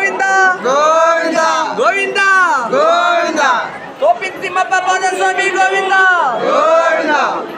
ಗೋವಿಂದ ಗೋವಿಂದ ಗೋವಿಂದ ಗೋವಿಂದ ಕೋಪಿನ್ ತಿಮ್ಮಪ್ಪ ಪಾದ ಸ್ವಾಮಿ ಗೋವಿಂದ ಗೋವಿಂದ.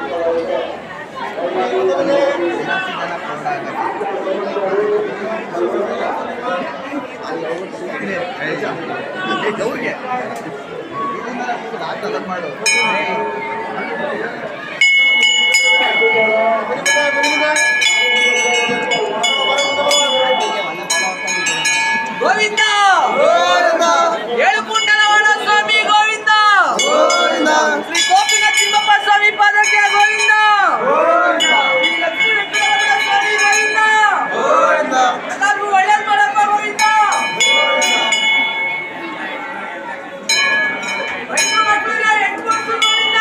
ಗೋವಿಂದ ಗೋವಿಂದ ಏಳು ಕುಂಡಲವಾಡ ಸ್ವಾಮಿ ಗೋವಿಂದ ಗೋವಿಂದ ಶ್ರೀ ಕೋಪಿನ ತಿಮ್ಮಪ್ಪ ಸ್ವಾಮಿ ಪಾದಕ್ಕೆ ಗೋವಿಂದ ಶ್ರೀ ಲಕ್ಷ್ಮೀ ವೆಂಕಟರಮಣ ಸ್ವಾಮಿ ಗೋವಿಂದ ಗೋವಿಂದ ಎಲ್ಲರಿಗೂ ಒಳ್ಳೇದು ಮಾಡಪ್ಪ ಗೋವಿಂದ ರೈತರ ಮಕ್ಕಳಿಗೆ ಹೆಣ್ಣು ಕೊಡ್ಸು ಗೋವಿಂದ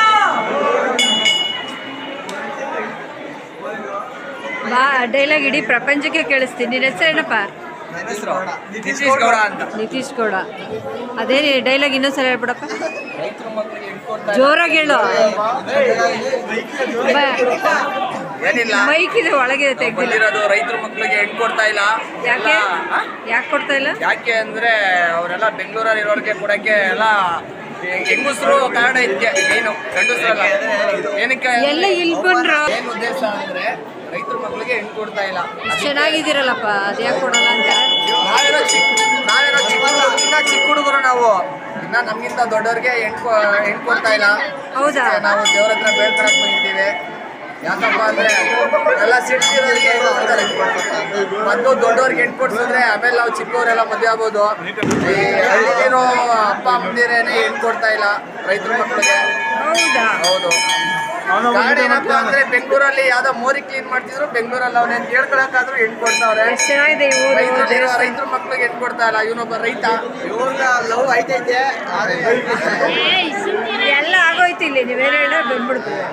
ಬಾ ಡೈಲಾಗ್ ಇಡೀ ಪ್ರಪಂಚಕ್ಕೆ ಕೇಳಿಸ್ತೀನಿ. ನಿನ್ನ ಹೆಸರೇನಪ್ಪ? ನಿತೀಶ್ ಗೌಡ ಅಂತ. ನಿತೀಶ್ ಗೌಡ. ಅದೇ ಡೈಲಾಗ್ ಇನ್ನೊಂದ್ಸಲ ಹೇಳ್ಬಿಡಪ್ಪ, ರೈತರ ಮಕ್ಕಳಿಗೆ ಹೆಣ್ಣು ಕೊಡ್ತಾ ಜೋರಾಗಿ ಹೇಳು. ಏನಿಲ್ಲ ಮೈಕ್ ಇದೆ ಒಳಗಿದೆ, ತೆಗ್ದಿಲ್ಲ. ಬಂದಿರೋದು ರೈತರ ಮಕ್ಕಳಿಗೆ ಹೆಣ್ಣು ಕೊಡ್ತಾ ಇಲ್ಲ. ಯಾಕೆ ಯಾಕೆ ಕೊಡ್ತಾ ಇಲ್ಲ? ಯಾಕೆ ಅಂದ್ರೆ ಅವರೆಲ್ಲ ಬೆಂಗಳೂರಲ್ಲಿ ಇರೋರಿಗೆ ಕೊಡಕ್ಕೆ ಎಲ್ಲ ಹೆಂಗಸರು ಕಾರಣ ಇದಕ್ಕೆ ಏನು ಗಂಡಸರಲ್ಲ. ಏನಕ್ಕೆ ಎಲ್ಲ ಇಲ್ಲಿ ಬಂದ್ರು. ಏನ್ ಉದ್ದೇಶ ಅಂದ್ರೆ ರೈತರ ಮಕ್ಕಳಿಗೆ ಹೆಣ್ಣು ಕೊಡ್ತಾ ಇಲ್ಲ. ಚೆನ್ನಾಗಿದ್ದೀರಲ್ಲಪ್ಪ, ಅದು ಯಾಕೆ ಕೊಡಲ್ಲ ಅಂತ? ನಾವೇನೋ ಚಿಕ್ಕ ಇನ್ನ ಚಿಕ್ಕ ಹುಡುಗರು ನಾವು, ಇನ್ನ ನಮ್ಗಿಂತ ದೊಡ್ಡವ್ರಿಗೆ ಹೆಣ್ಣು ಕೊಡ್ತಾ ಇಲ್ಲ. ಹೌದಾ? ನಾವು ದೇವ್ರ ಹತ್ರ ಬೇಡ್ಕೊಳಕ್ ಬಂದಿದ್ದೀವಿ. ಯಾಕಪ್ಪ ಅಂದ್ರೆ ಎಲ್ಲ ಸಿಟ್ಟಿರೋರಿಗೆ ಕೊಡ್ತಾರೆ. ಮೊದಲು ದೊಡ್ಡವ್ರಿಗೆ ಹೆಣ್ಣು ಕೊಡ್ಸಿದ್ರೆ ಆಮೇಲೆ ನಾವು ಚಿಕ್ಕವರೆಲ್ಲ ಮದುವೆ ಆಗ್ಬೋದು. ಈ ಹಳ್ಳಿಲಿರೋ ಅಪ್ಪ ಅಮ್ಮಂದಿರೇನೆ ಹೆಣ್ಣು ಕೊಡ್ತಾ ಇಲ್ಲ ರೈತರ ಮಕ್ಕಳಿಗೆ. ಹೌದಾ? ಹೌದು. ಕಾರಣ ಏನಪ್ಪ ಅಂದ್ರೆ ಬೆಂಗಳೂರಲ್ಲಿ ಯಾವ್ದೋ ಮೋರಿ ಕ್ಲೀನ್ ಮಾಡ್ತಿದ್ರು, ಬೆಂಗಳೂರಲ್ಲಿ ಅವನೇನ್ ಕೇಳ್ಕೊಳಕಾದ್ರೂ ಹೆಣ್ಣು ಕೊಡ್ತಾವ್ರೆ. ಎಷ್ಟು ಚೆನ್ನಾಗಿದೆ ಈ ಊರು. ರೈತರ ಮಕ್ಳಿಗೆ ಹೆಣ್ಣು ಕೊಡ್ತಾ ಇಲ್ಲ. ಇವನೊಬ್ಬ ರೈತ, ಇವ್ರ ಲವ್ ಐತೈತೆ. ಎಲ್ಲ ಆಗೋಯ್ತು ಇಲ್ಲಿ, ನೀವೇನು ಹೇಳ ಬಂದ್ಬಿಡ್ತೀವಿ.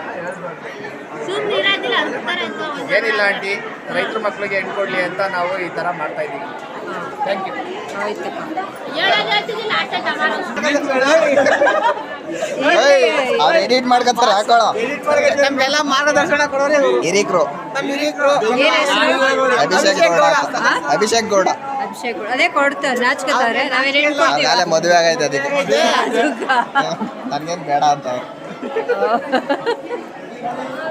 ಏನಿಲ್ಲ ಆಂಟಿ, ರೈತರ ಮಕ್ಳಿಗೆ ಹೆಣ್ಣು ಕೊಡ್ಲಿ ಅಂತ ನಾವು ಈ ತರ ಮಾಡ್ತಾ ಇದೀವಿ. Thank you. ಆಯ್ತಪ್ಪ. ಅವ್ರು ಎಡಿಟ್ ಮಾಡ್ಕೊತಾರೆ, ಹಾಕೊಳ್ಳೋ ನಮ್ಗೆಲ್ಲ ಮಾರ್ಗದರ್ಶನ ಕೊಡೋರೆ ಹಿರೀಕ್ರು. ಏನ್ ಹೆಸರು? ಅಭಿಷೇಕ್ ಗೌಡ ಅಂತ. ಅಭಿಷೇಕ್ ಗೌಡ. ಅಭಿಷೇಕ್ ಗೌಡ. ಅದೇ ಕೊಡ್ತಾರೆ, ನಾಚ್ಕೋತಾರೆ. ನಾವೇನು ಹೇಳ್ಕೊಡ್ತೀವಿ? ಆಮೇಲೆ ಮದುವೆ ಆಗೈತೆ ಅದಕ್ಕೆ. ಅದಕ್ಕ. ನನ್ಗೇನು ಬೇಡ ಅಂತ.